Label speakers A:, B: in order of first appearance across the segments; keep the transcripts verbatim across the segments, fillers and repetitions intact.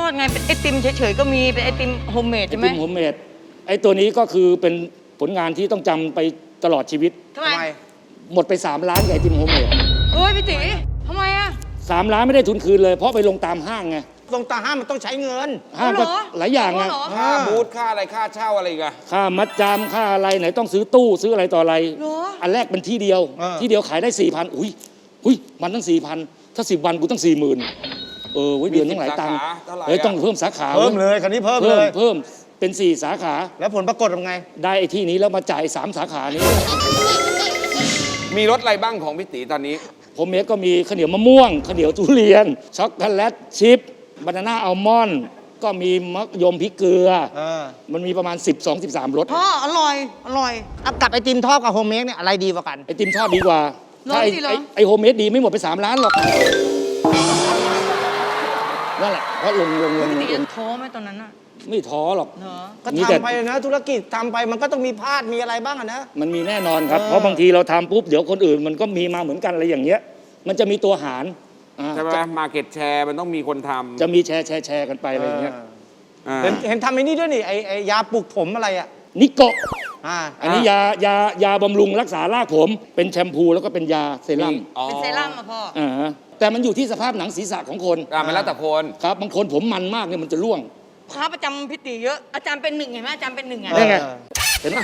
A: ดไงเป็นไอติมเฉยๆก็มีเป็นไอติมโฮมเมดใช่ไหม
B: ไอติมโฮมเมดไอตัวนี้ก็คือเป็นผลงานที่ต้องจำไปตลอดชีวิต
A: ทำไม
B: หมดไปสามล้านกับไอติมโฮมเมด
A: เฮ้ยพี่ตีทำไมอะ
B: สามล้านไม่ได้ทุนคืนเลยเพราะไปลงตามห้างไง
C: ลงตามห้างมันต้องใช้เงิน
B: ห้างก็หลายอย่างไง
D: ค่าบูธค่าอะไรค่าเช่าอะไรกัน
B: ค่ามัดจำค่าอะไรไหนต้องซื้อตู้ซื้ออะไรต่ออะไรอันแรกเป็นที่เดียวที่เดียวขายได้สี่พันอุ้ยอุ้ยมันตั้งสี่พันถ้าสิบวันกูตั้งสี่หมื่นเออเดือนต้องหลายตังค์เฮ้ยต้องเพิ่มสาขา
C: เพิ่มเลยคันนี้เพิ่มเลย
B: เพิ่มเป็นสี่สาขา
C: แล้วผลปรากฏเป็นไง
B: ได้ไอ้ที่นี้แล้วมาจ่ายสามสาขานี้
D: มีรสอะไรบ้างของพี่ตีตอนนี้
B: ผมเมกก็มีข้าวเหนียวมะม่วงข้าวเหนียวทุเรียนช็อกโกแลตชิพบานาน่าอัลมอนด์ก็มีมะยมพริกเกลือมันมีประมาณสิบสอง สิบสามรส
A: พ่ออร่อยอร่อย
C: กับไอติมทอดกับโฮมเมดเนี่ยอะไรดีกว่ากัน
B: ไอติมทอดดีกว่าถ้าไอโฮมเมดดีไม่หมดไปสามล้านหรอกนั่นแหละเพราะลงลงลง
A: พี่ตีท้อไหมตอนนั้นอะ
B: ไม่ท้อหรอก
C: ก็ทำไปนะธุรกิจทำไปมันก็ต้องมีพลาดมีอะไรบ้างนะ
B: มันมีแน่นอนครับเพราะบางทีเราทำปุ๊บเดี๋ยวคนอื่นมันก็มีมาเหมือนกันอะไรอย่างเงี้ยมันจะมีตัวหาร
D: ใช่ไหมมาเก็ตแชร์มันต้องมีคนทำ
B: จะมีแชร์แชร์แชร์กันไปอะไรอย่างเงี้ย
C: เห็นเห็นทำไอ้นี่ด้วยนี่ไอไอยาปลูกผมอะไรอ่ะ
B: นิโกะอันนี้ยายายาบำรุงรักษารากผมเป็นแชมพูแล้วก็เป็นยาเซรั่ม
A: เป็นเซรั่มอ่ะพ่อ
B: อ่าแต่มันอยู่ที่สภาพหนังศีรษะของคน
D: อ่ามันแล้วแต่คน
B: ครับบางคนผมมันมากเนี่ยมันจะร่วง
A: พระประจำพี่ตีเยอะอาจารย์เป็นหนึ่งเห็นไหมอาจารย์เป็นหนึ่งอ่ะ
B: ได้ไงเห็นไหม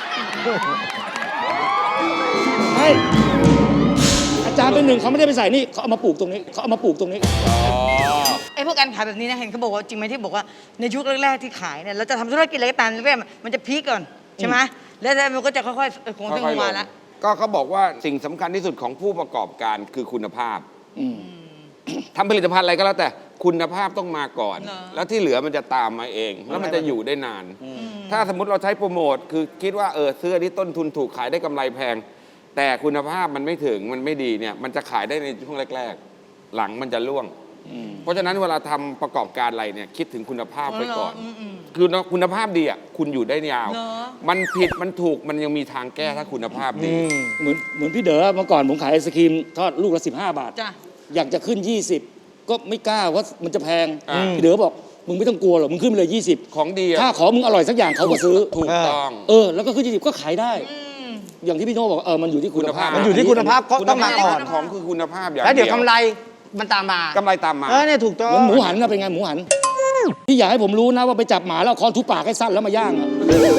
B: ใช่อาจารย์เป็นหนึ่งเขาไม่ได้ไปใส่นี่เขาเอามาปลูกตรงนี้เขาเอามาปลูกตรงนี้
A: ไอ้พวกการขายแบบนี้นะเห็นเขาบอกว่าจริงไหมที่บอกว่าในยุคแรกๆที่ขายเนี่ยเราจะทำธุรกิจอะไรก็ตามแรกๆมันจะพีคก่อนใช่ไหมแล้วมันก็จะค่อยๆคงขึ้นมาแล้ว
D: ก็เขาบอกว่าสิ่งสำคัญที่สุดของผู้ประกอบการคือคุณภาพทำผลิตภัณฑ์อะไรก็แล้วแต่คุณภาพต้องมาก่อนแล้วที่เหลือมันจะตามมาเองแล้วมันจะอยู่ได้นานถ้าสมมติเราใช้โปรโมทคือคิดว่าเออเสื้อที่ต้นทุนถูกขายได้กำไรแพงแต่คุณภาพมันไม่ถึงมันไม่ดีเนี่ยมันจะขายได้ในช่วงแรกๆหลังมันจะร่วงเพราะฉะนั้นเวลาทำประกอบการอะไรเนี่ยคิดถึงคุณภาพไปก่อนคือคุณภาพดีอ่ะคุณอยู่ได้ยาวมันผิดมันถูกมันยังมีทางแก้ถ้าคุณภาพดี
B: เหมือนเหมือนพี่เด๋อเมื่อก่อนผมขายไอศครีมทอดลูกละสิบห้าบาทอยากจะขึ้นยี่สิบก็ไม่กล้าว่ามันจะแพงพี่เด๋อบอกมึงไม่ต้องกลัวหรอกมึงขึ้นไปเลยยี่สิบ
D: ของดี
B: ถ้าขอมึงอร่อยสักอย่างเขาก็ซื้อ
D: ถูกต้อง
B: เออแล้วก็ขึ้นยี่สิบก็ขายได้อย่างที่พี่โน่บอกเออมันอยู่ที่คุณภาพ
C: มันอยู่ที่คุณภาพก็ต้องมาก่อน
D: ของคือคุณภาพอย่าง
C: แล้วเดี๋ยวกำไรมันตามมาก
D: ำไรตามมา
C: เออเนี่ยถูกต้อง
B: เหมือนหมูหันนะเป็นไงหมูหันพี่อยากให้ผมรู้นะว่าไปจับหมาแล้วคอนทุบปากให้สั้นแล้วมาย่างอ่ะ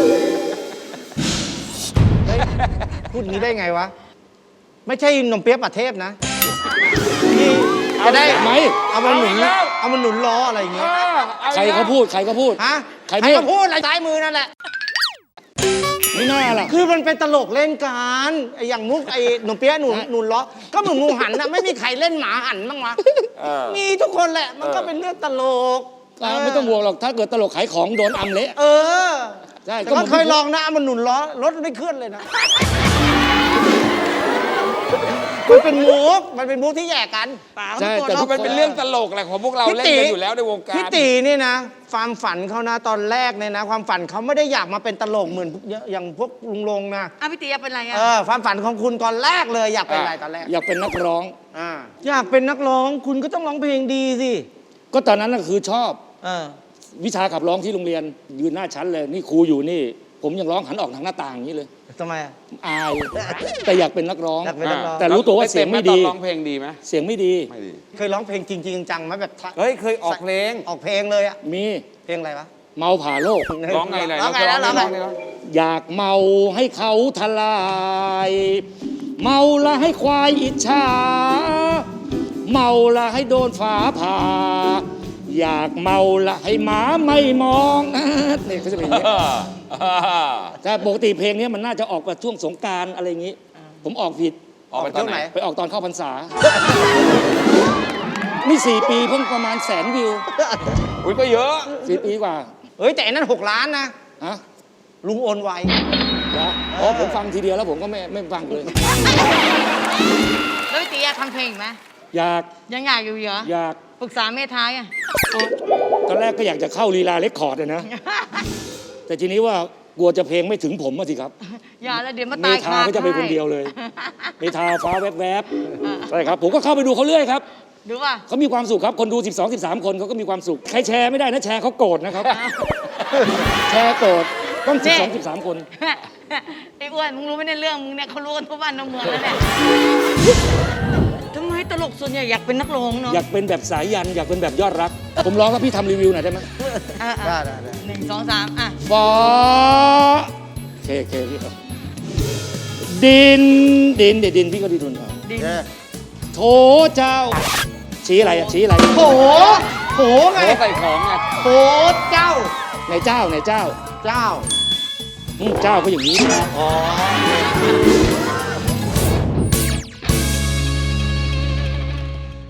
C: พูดงี้ได้ไงวะไม่ใช่นมเปี๊ยะป่าเทพนะนี่จะได้
B: ไหม
C: เอามาหนุนเอามาหนุนล้ออะไรอย่างเงี้ย
B: ใครเขาพูดใครเขาพูด
C: ฮะใครเขาพูดอะไรซ้ายมือนั่นแหละ
B: ไม่น่าล่ะ
C: คือมันเป็นตลกเล่นกันไอ้อย่างมุกไอ้หนุ่มเปี๊ยะหนุนหนุนล้อก็เหมือนงูหันนะไม่มีใครเล่นหมาหันบ้างวะมีทุกคนแหละมันก็เป็นเรื่องตลก
B: ไม่ต้องห่วงหรอกถ้าเกิดตลกขายของโดนอำเละ
C: เออ
B: ใช่
C: ก็เคยลองนะมันหนุนล้อรถไม่เคลื่อนเลยนะมันเป็นมุกมันเป็นมุกที่แย่กัน
D: ใช่แต่มันเป็นเรื่องตลกแหละของพวกเราเล่นกันอยู่แล้วในวงการ
C: พี่ตีนี่นะความฝันเขานะตอนแรกเนี่ยนะความฝันเขาไม่ได้อยากมาเป็นตลกเหมือนอย่างพวกลุงลงนะ
A: อ่ะพี่ตีอยากเป็นอะไรอ่ะ
C: เออความฝันของคุณตอนแรกเลยอยากเป็นอะไรตอนแรก
B: อยากเป็นนักร้อง
C: อ่าอยากเป็นนักร้องคุณก็ต้องร้องเพลงดีสิ
B: ก็ตอนนั้นก็คือชอบ
C: เออ
B: วิชาขับร้องที่โรงเรียนยืนหน้าชั้นเลยนี่ครูอยู่นี่ผมยังร้องหันออกทางหน้าต่างอย่างนี้เลย
C: ทำไม
B: อายแต่อยากเป็นนักร้องแต่รู้ตัวว่าเสียงไม่ดี
D: ร้องเพลงดีไหม
B: เสียงไม่ดี
C: เคยร้องเพลงจริงๆจังไหมแบบ
D: เฮ้ยเคยออกเพลง
C: ออกเพลงเลยอ่ะ
B: มี
C: เพลงอะไรวะ
B: เมาผ่าโลก
D: ร้องไงเลย
C: ร้องไงแล้วร้องไง
B: อยากเมาให้เขาทลายเมาละให้ควายอิจฉาเมาละให้โดนฟ้าผ่าอยากเมาละให้หมาไม่มองนี่เขาจะเป็นอย่างนี้แต่ปกติเพลงนี้มันน่าจะออกมาช่วงสงกรานต์อะไรอย่างนี้ผมออกผิด
D: ออกไปตอนไหน
B: ไปออกตอนเข้าพรรษานี่สี่ปีเพิ่งประมาณแสนวิว
D: อุ้ยก็เยอะ
B: สี่ปีกว่า
C: เฮ้ยแต่นั้นหกล้านนะ
B: ฮะ
C: ลุงโอนไว
B: นะอ๋อผมฟังทีเดียวแล้วผมก็ไม่ไม่ฟังเลย
A: แล้วพี่ตีอยากทำเพลงไหม
B: อยาก
A: ยังอยากอยู่เหรอ
B: อยาก
A: ปรึกษาเมท้ายอ่ะ
B: ตอนแรกก็อยากจะเข้าลีลาเรคคอร์ดเลยนะแต่ทีนี้ว่ากลัวจะเพลงไม่ถึงผมสิครับ
A: อย่าแล้วเดี๋ยวมาตาย
B: คาเมทาก็จะไปคนเดียวเลยเมทาฟ้าแวบๆใช่ครับผมก็เข้าไปดูเขาเรื่อยครับ
A: ดูป่ะ
B: เขามีความสุขครับ คนดู สิบสอง สิบสาม คนเขาก็มีความสุข ใครแชร์ไม่ได้นะแชร์เขาโกรธนะครับ แชร์โกรธต้อง สิบสอง สิบสาม คน
A: ไอ้อ้วนมึงรู้ไหมในเรื่องมึงเนี่ยเขารู้กันทั่วบ้านทั่วเมืองแล้วเนี่ยทำไมตลกส่วนใหญ่อยากเป็นนักร้องเนาะ
B: อยากเป็นแบบสายยัน อยากเป็นแบบยอดรัก ผมร้องครับพี่ทำรีวิวหน่อยได้ไหม
A: อ่ะ
C: ได้
A: อ่ะ
C: ได้ได้
A: หนึ่งสองสามอ่ะ
B: ฟ้าเคเคพี่เอาดินดินเดี๋ยวดินพี่ก็ดีดุนเอา
A: ดิ
C: เย้
B: โถเจ้า ชี้อะไรอะชี้อะไร
C: โถโถไง
D: โอ้ใส่ของไง
C: โถเจ้า
B: ในเจ้าในเจ้า
C: เจ้า
B: อืมเจ้าก็อย่างนี้
C: อ๋อ